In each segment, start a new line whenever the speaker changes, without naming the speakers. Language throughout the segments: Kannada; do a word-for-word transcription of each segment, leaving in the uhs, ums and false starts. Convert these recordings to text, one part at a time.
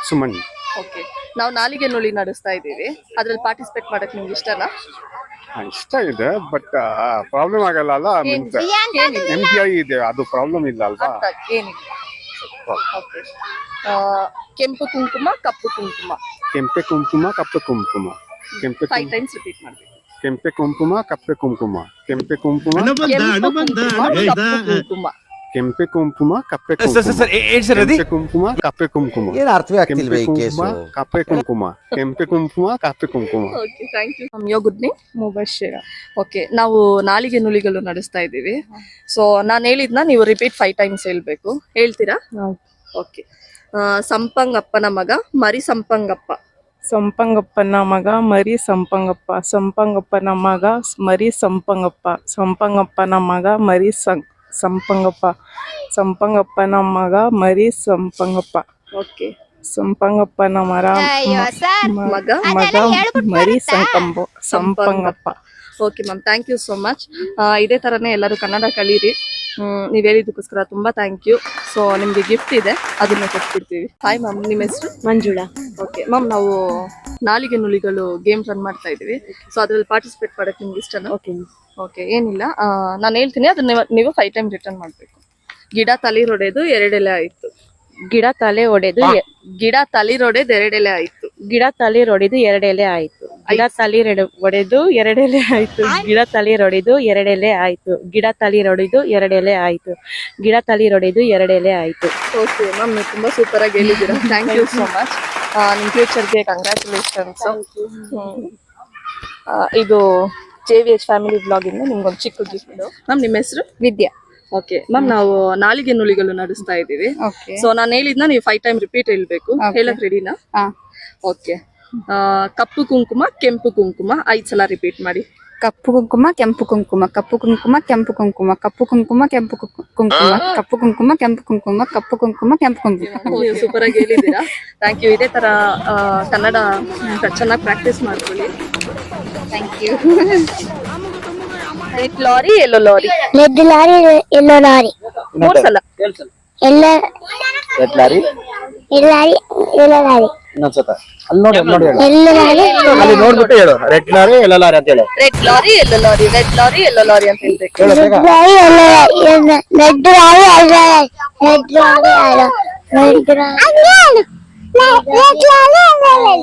ಸುಮನ್.
ಓಕೆ, ನಾವು ನಾಲಿಗೆ ನುಳಿ ನಡೆಸ್ತಾ ಇದ್ದೀವಿ. ಅದ್ರಲ್ಲಿ ಪಾರ್ಟಿಸಿಪೇಟ್ ಮಾಡಕ್ ನಿಮ್ಗೆ ಇಷ್ಟನಾ?
ಇಷ್ಟ ಇದೆ, ಬಟ್ ಪ್ರಾಬ್ಲಮ್ ಆಗಲ್ಲ ಅಲ್ಲ. ಮೀನ್ಸ್ ಎಂ ಪಿ ಐ ಇದೆ, ಅದು ಪ್ರಾಬ್ಲಮ್ ಇಲ್ಲ ಅಲ್ವಾ?
ಏನಿಲ್ಲ. ಓಕೆ, ಕೆಂಪು ಕುಂಕುಮ ಕಪ್ಪು ಕುಂಕುಮ.
ಕೆಂಪೆ ಕುಂಕುಮ ಕಪ್ಪೆ ಕುಂಕುಮ. ಕೆಂಪೆ
ಫೈವ್ ಟೈಮ್ಸ್ ರಿಪೀಟ್ ಮಾಡ್ಬೇಕು.
ಕೆಂಪೆ ಕುಂಕುಮ ಕಪ್ಪೆ ಕುಂಕುಮ. ಕೆಂಪೆ ಕುಂಕುಮ
ಕುಂಕುಮ.
ಕೆಂಪೆ ಕುಂಕುಮ ಕಪ್ಪೆ ಕುಂಕುಮ. ಕಪ್ಪೆ ಕುಂಕುಮ.
ಏನು ಅರ್ಥವೇ ಆಗ್ತಿಲ್ವೇ ಈ ಕೇಸು?
ಕಪ್ಪೆ ಕುಂಕುಮ. ಕೆಂಪೆ ಕುಂಕುಮ ಕಪ್ಪೆ ಕುಂಕುಮ.
Okay, thank you. Your good name? Mubashira. Okay, ನಾವು ನಾಲಿಗೆ ನುಲಿಗಳು ನಡೆಸ್ತಾ ಇದ್ದೀವಿ. ಸೊ ನಾನು ಹೇಳಿದ್ನ ನೀವು ರಿಪೀಟ್ ಫೈವ್ ಟೈಮ್ಸ್ ಹೇಳ್ಬೇಕು. ಹೇಳ್ತೀರಾ? ಓಕೆ. ಸಂಪಂಗಪ್ಪನ ಮಗ ಮರಿ ಸಂಪಂಗಪ್ಪ.
ಸಂಪಂಗಪ್ಪನ ಮಗ ಮರಿ ಸಂಪಂಗಪ್ಪ. ಸಂಪಂಗಪ್ಪನ ಮಗ ಮರಿ ಸಂಪಂಗಪ್ಪ. ಸಂಪಂಗಪ್ಪನ ಮಗ ಮರಿ ಸಂ ಸಂಪಂಗಪ್ಪ. ಸಂಪಂಗಪ್ಪನ ಮಗ ಮರಿ ಸಂಪಂಗಪ್ಪ.
ಓಕೆ.
ಸಂಪಂಗಪ್ಪನ ಮರ
ಮಗ
ಮಗ ಮರಿ ಸಂಕಂಬ Sampangappa.
Okay ma'am, thank you so much. ಇದೇ ಥರನೇ ಎಲ್ಲರೂ ಕನ್ನಡ ಕಲೀರಿ. ನೀವು ಹೇಳಿದ್ದಕ್ಕೋಸ್ಕರ ತುಂಬ ಥ್ಯಾಂಕ್ ಯು. ಸೊ ನಿಮಗೆ ಗಿಫ್ಟ್ ಇದೆ, ಅದನ್ನ ಕೊಟ್ಬಿಡ್ತೀವಿ. ಹಾಯ್ ಮ್ಯಾಮ್, ನಿಮ್ಮ ಹೆಸರು?
ಮಂಜುಳಾ.
ಓಕೆ ಮ್ಯಾಮ್, ನಾವು ನಾಲಿಗೆ ನುಲಿಗಳು ಗೇಮ್ ರನ್ ಮಾಡ್ತಾ ಇದ್ದೀವಿ. ಸೊ ಅದ್ರಲ್ಲಿ ಪಾರ್ಟಿಸಿಪೇಟ್ ಮಾಡೋಕ್ಕೆ ನಿಮ್ಗೆ ಇಷ್ಟನಾ?
ಓಕೆ
ಓಕೆ, ಏನಿಲ್ಲ, ನಾನು ಹೇಳ್ತೀನಿ, ಅದನ್ನ ನೀವು ಫೈವ್ ಟೈಮ್ ರಿಟರ್ನ್ ಮಾಡಬೇಕು. ಗಿಡ ತಳಿರೊಡೆದು ಎರಡೆಲೆ ಆಯಿತು.
ಗಿಡ ತಲೆ ಒಡೆದು
ಗಿಡ ತಳಿರೊಡೆದು ಎರಡೆಲೆ ಆಯಿತು.
ಗಿಡ ತಳಿರೊಡೆದು ಎರಡೆಲೆ ಆಯ್ತು. ಗಿಡ ತಳಿರೊಡೆ ಒಡೆದು ಎರಡೆಲೆ ಆಯ್ತು. ಗಿಡ ತಳಿರೊಡೆದು ಎರಡೆಲೆ ಆಯ್ತು. ಗಿಡ ತಳಿರೊಡೆದು ಎರಡೆಲೆ ಆಯ್ತು. ಗಿಡ ತಳಿರೊಡೆದು ಎರಡೆಲೆ ಆಯ್ತು.
ಓಕೆ ಮ್ಯಾಮ್, ನೀವು ತುಂಬ ಸೂಪರ್ ಆಗಿ ಹೇಳಿದ್ದೀರಾ. Thank you so much. ನಿಮ್ಮ ಫ್ಯೂಚರ್ಗೆ ಕಂಗ್ರ್ಯಾಚುಲೇಷನ್ಸ್. ಇದು J V H family blog ಇಂದ ನಿಮ್ಗೊಂದು ಚಿಕ್ಕ ಗಿಫ್ಟ್. ಮ್ಯಾಮ್, ನಿಮ್ಮ ಹೆಸರು?
ವಿದ್ಯಾ.
ಓಕೆ ಮ್ಯಾಮ್, ನಾವು ನಾಲಿಗೆ ನುಲಿಗಳು ನಡೆಸ್ತಾ ಇದ್ದೀವಿ. ಸೊ ನಾನು ಹೇಳಿದ್ನ ನೀವು ಫೈವ್ ಟೈಮ್ ರಿಪೀಟ್ ಹೇಳ್ಬೇಕು. ಹೇಳಕ್ ರೆಡಿನಾ? ಓಕೆ. ಕಪ್ಪು ಕುಂಕುಮ ಕೆಂಪು ಕುಂಕುಮ ಐದ್ ಸಲ ರಿಪೀಟ್ ಮಾಡಿ.
ಕಪ್ಪು ಕುಂಕುಮ ಕೆಂಪು ಕುಂಕುಮ. ಕಪ್ಪು ಕುಂಕುಮ ಕೆಂಪು ಕುಂಕುಮ. ಕಪ್ಪು ಕುಂಕುಮ ಕೆಂಪು ಕುಂಕುಮ. ಕಪ್ಪು ಕುಂಕುಮ ಕೆಂಪು ಕುಂಕುಮ. ಕಪ್ಪು ಕುಂಕುಮ ಕೆಂಪು ಕುಂಕುಮ.
ನೀವು ಸೂಪರ್ ಆಗಿ ಹೇಳಿದ್ದೀರಾ. Thank you. ಇದೇ ತರ ಕನ್ನಡ ಚೆನ್ನಾಗಿ ಪ್ರಾಕ್ಟೀಸ್ ಮಾಡ್ಕೊಳ್ಳಿ.
Thank you.
Red lorry yellow lorry.
Red lorry yellow lorry.
ಮೂರ್ ಸಲ.
ಎಲ್ಲ
red lorry
yellow lorry yellow lorry.
ಇನ್ನೊಂದ್ಸತ ಅಲ್ಲಿ ನೋಡಿ ನೋಡಿ ಹೇಳು.
ಎಲ್ಲ ಲಾರಿ
ಅಲ್ಲಿ ನೋಡ್ಬಿಟ್ಟು ಹೇಳು. ರೆಡ್ ಲಾರಿ ಎಲ್ಲ ಲಾರಿ ಅಂತ ಹೇಳು.
Red lorry yellow lorry. Red lorry yellow lorry ಅಂತ ಹೇಳ್ಬೇಕು.
Red lorry yellow lorry. Red lorry yellow lorry. Red lorry yellow red lorry red lorry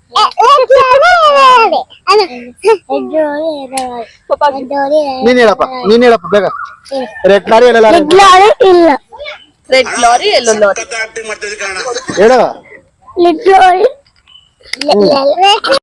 ನೀನ್ ಹೇಳಪ್ಪ ನೀನ್ ಹೇಳಪ್ಪ ಬೇಗ. Red lorry yellow lorry.
Red lorry ಇಲ್ಲ.
ರೆಡ್ ಲಾರಿ ಎಲ್ಲೋ ಲಾರಿ
ಹೇಳ.
Red lorry